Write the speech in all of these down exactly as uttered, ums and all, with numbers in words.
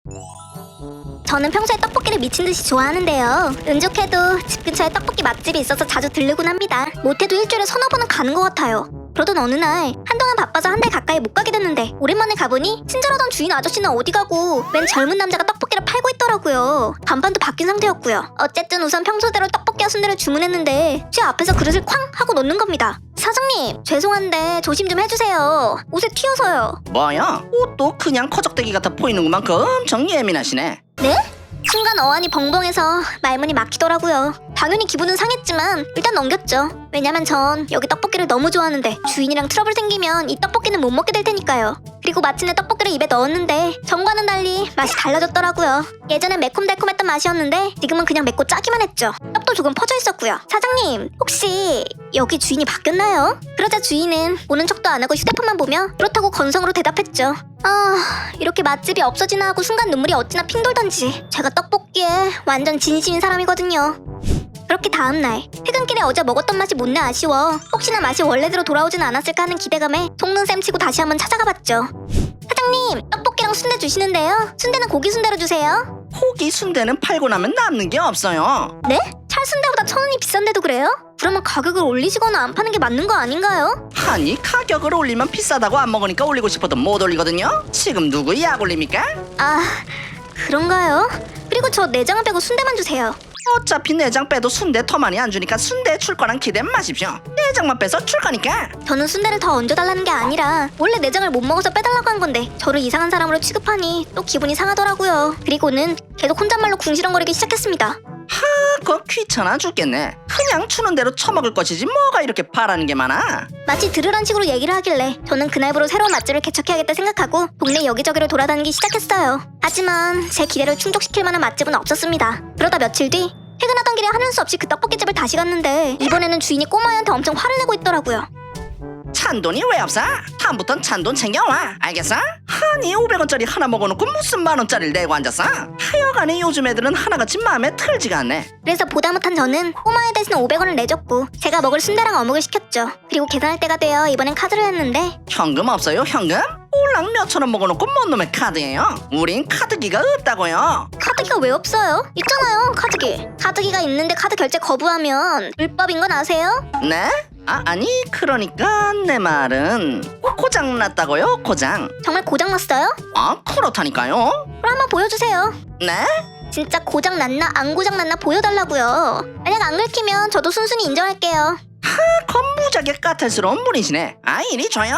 저는 평소에 떡볶이를 미친 듯이 좋아하는데요. 운 좋게도 집 근처에 떡볶이 맛집이 있어서 자주 들르곤 합니다. 못해도 일주일에 서너 번은 가는 것 같아요. 그러던 어느 날 한동안 바빠서 한 달 가까이 못 가게 됐는데 오랜만에 가보니 친절하던 주인 아저씨는 어디 가고 맨 젊은 남자가 떡볶이를 팔고 있더라고요. 간판도 바뀐 상태였고요. 어쨌든 우선 평소대로 떡볶이와 순대를 주문했는데 제 앞에서 그릇을 쾅 하고 놓는 겁니다. 사장님 죄송한데 조심 좀 해주세요. 옷에 튀어서요. 뭐야? 옷도 그냥 커적대기 같아 보이는구만. 그 엄청 예민하시네. 네? 순간 어안이 벙벙해서 말문이 막히더라고요. 당연히 기분은 상했지만 일단 넘겼죠. 왜냐면 전 여기 떡볶이를 너무 좋아하는데 주인이랑 트러블 생기면 이 떡볶이는 못 먹게 될 테니까요. 그리고 마침내 떡볶이를 입에 넣었는데 전과는 달리 맛이 달라졌더라고요. 예전엔 매콤달콤했던 맛이었는데 지금은 그냥 맵고 짜기만 했죠. 떡도 조금 퍼져 있었고요. 사장님 혹시 여기 주인이 바뀌었나요? 그러자 주인은 보는 척도 안 하고 휴대폰만 보며 그렇다고 건성으로 대답했죠. 아 이렇게 맛집이 없어지나 하고 순간 눈물이 어찌나 핑 돌던지. 제가 떡볶이에 완전 진심인 사람이거든요. 그렇게 다음날 퇴근길에 어제 먹었던 맛이 못내 아쉬워 혹시나 맛이 원래대로 돌아오진 않았을까 하는 기대감에 속는셈 치고 다시 한번 찾아가봤죠. 사장님 떡볶이랑 순대 주시는데요. 순대는 고기 순대로 주세요. 고기 순대는 팔고 나면 남는 게 없어요. 네? 찰순대보다 천 원이 비싼데도 그래요? 그러면 가격을 올리시거나 안 파는 게 맞는 거 아닌가요? 아니 가격을 올리면 비싸다고 안 먹으니까 올리고 싶어도 못 올리거든요. 지금 누구 약 올립니까? 아 그런가요? 그리고 저 내장을 빼고 순대만 주세요. 어차피 내장 빼도 순대 더 많이 안 주니까 순대 출 거랑 기대 마십시오. 내장만 빼서 출 거니까. 저는 순대를 더 얹어달라는 게 아니라 원래 내장을 못 먹어서 빼달라고 한 건데 저를 이상한 사람으로 취급하니 또 기분이 상하더라고요. 그리고는 계속 혼잣말로 궁시렁거리기 시작했습니다. 하, 그거 귀찮아 죽겠네. 그냥 추는 대로 처먹을 것이지 뭐가 이렇게 바라는 게 많아. 마치 들으란 식으로 얘기를 하길래 저는 그날부로 새로운 맛집을 개척해야겠다 생각하고 동네 여기저기를 돌아다니기 시작했어요. 하지만 제 기대를 충족시킬 만한 맛집은 없었습니다. 그러다 며칠 뒤 퇴근하던 길에 하는 수 없이 그 떡볶이집을 다시 갔는데 이번에는 주인이 꼬마애한테 엄청 화를 내고 있더라고요. 찬돈이 왜 없어? 다음부턴 찬돈 챙겨와. 알겠어? 아니 오백 원짜리 하나 먹어놓고 무슨 만 원짜리를 내고 앉았어? 하여간에 요즘 애들은 하나같이 마음에 들지가 않네. 그래서 보다 못한 저는 꼬마애 대신 오백 원을 내줬고 제가 먹을 순대랑 어묵을 시켰죠. 그리고 계산할 때가 되어 이번엔 카드를 했는데 현금 없어요 현금? 올랑 몇천 원 먹어놓고 뭔 놈의 카드예요? 우린 카드기가 없다고요. 카드기가 왜 없어요? 있잖아요 카드기. 카드기가 있는데 카드 결제 거부하면 불법인 건 아세요? 네? 아 아니 그러니까 내 말은 고장 났다고요 고장. 정말 고장났어요? 아 그렇다니까요. 그럼 한번 보여주세요. 네? 진짜 고장났나 안 고장났나 보여달라고요. 만약 안 긁히면 저도 순순히 인정할게요. 건무지하게 까탈스러운 분이시네. 아 이리 줘요.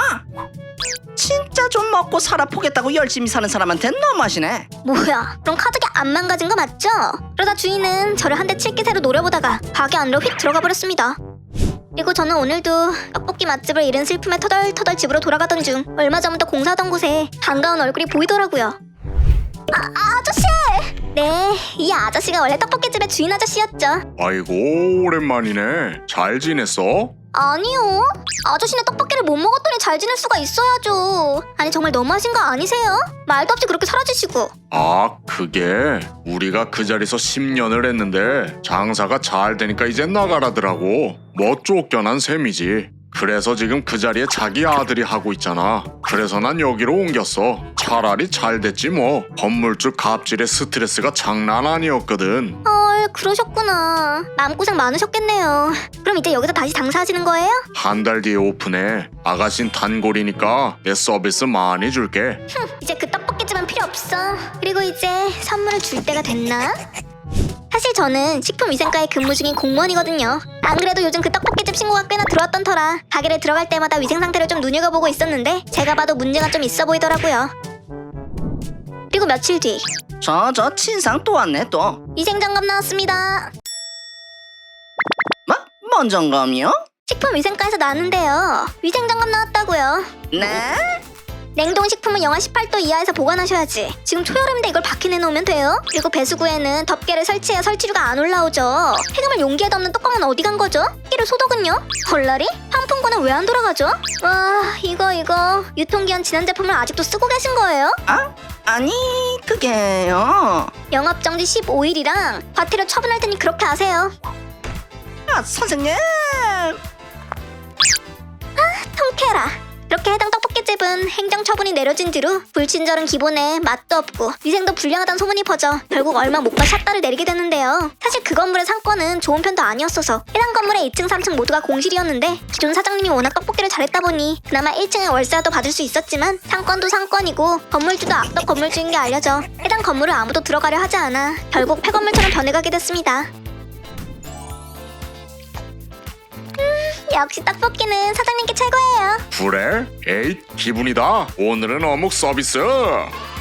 진짜 좀 먹고 살아 보겠다고 열심히 사는 사람한테 너무하시네. 뭐야 그럼 카드기 안 망가진 거 맞죠? 그러다 주인은 저를 한 대 칠 기세로 노려보다가 가게 안으로 휙 들어가 버렸습니다. 그리고 저는 오늘도 떡볶이 맛집을 잃은 슬픔에 터덜터덜 집으로 돌아가던 중 얼마 전부터 공사하던 곳에 반가운 얼굴이 보이더라고요. 아, 아저씨! 네, 이 아저씨가 원래 떡볶이집의 주인 아저씨였죠. 아이고 오랜만이네. 잘 지냈어? 아니요. 아저씨네 떡볶이를 못 먹었더니 잘 지낼 수가 있어야죠. 아니 정말 너무하신 거 아니세요? 말도 없이 그렇게 사라지시고. 아 그게 우리가 그 자리에서 십 년을 했는데 장사가 잘 되니까 이제 나가라더라고. 뭐 쫓겨난 셈이지. 그래서 지금 그 자리에 자기 아들이 하고 있잖아. 그래서 난 여기로 옮겼어. 차라리 잘 됐지 뭐. 건물주 갑질의 스트레스가 장난 아니었거든. 헐 그러셨구나. 마음고생 많으셨겠네요. 그럼 이제 여기서 다시 장사하시는 거예요? 한 달 뒤에 오픈해. 아가씨는 단골이니까 내 서비스 많이 줄게. 흠 이제 그 떡볶이집은 필요 없어. 그리고 이제 선물을 줄 때가 됐나? 사실 저는 식품위생과에 근무 중인 공무원이거든요. 안 그래도 요즘 그 떡볶이집 신고가 꽤나 들어왔던 터라 가게를 들어갈 때마다 위생 상태를 좀 눈여겨보고 있었는데 제가 봐도 문제가 좀 있어 보이더라고요. 그리고 며칠 뒤 저 저 친상 또 왔네 또. 위생점검 나왔습니다. 뭐? 뭔 점검이요? 식품위생과에서 나왔는데요. 위생점검 나왔다고요. 네? 냉동식품은 영하 십팔 도 이하에서 보관하셔야지. 지금 초여름인데 이걸 밖에 내놓으면 돼요. 그리고 배수구에는 덮개를 설치해야 설치류가 안 올라오죠. 폐기물 용기에 담는 뚜껑은 어디 간 거죠? 끼를 소독은요? 헐라리? 환풍구는 왜 안 돌아가죠? 와 이거 이거 유통기한 지난 제품을 아직도 쓰고 계신 거예요? 아? 아니 그게요. 영업정지 십오 일이랑 과태료 처분할 테니 그렇게 하세요. 아 선생님. 통쾌해라. 그렇게 해당 떡볶이 사장의 집은 행정처분이 내려진 뒤로 불친절은 기본에 맛도 없고 위생도 불량하다는 소문이 퍼져 결국 얼마 못 가 샷다를 내리게 됐는데요. 사실 그 건물의 상권은 좋은 편도 아니었어서 해당 건물의 이 층, 삼 층 모두가 공실이었는데 기존 사장님이 워낙 떡볶이를 잘했다 보니 그나마 일 층에 월세라도 받을 수 있었지만 상권도 상권이고 건물주도 악덕 건물주인 게 알려져 해당 건물을 아무도 들어가려 하지 않아 결국 폐건물처럼 변해가게 됐습니다. 역시 떡볶이는 사장님께 최고예요. 그래? 에잇 기분이다. 오늘은 어묵 서비스.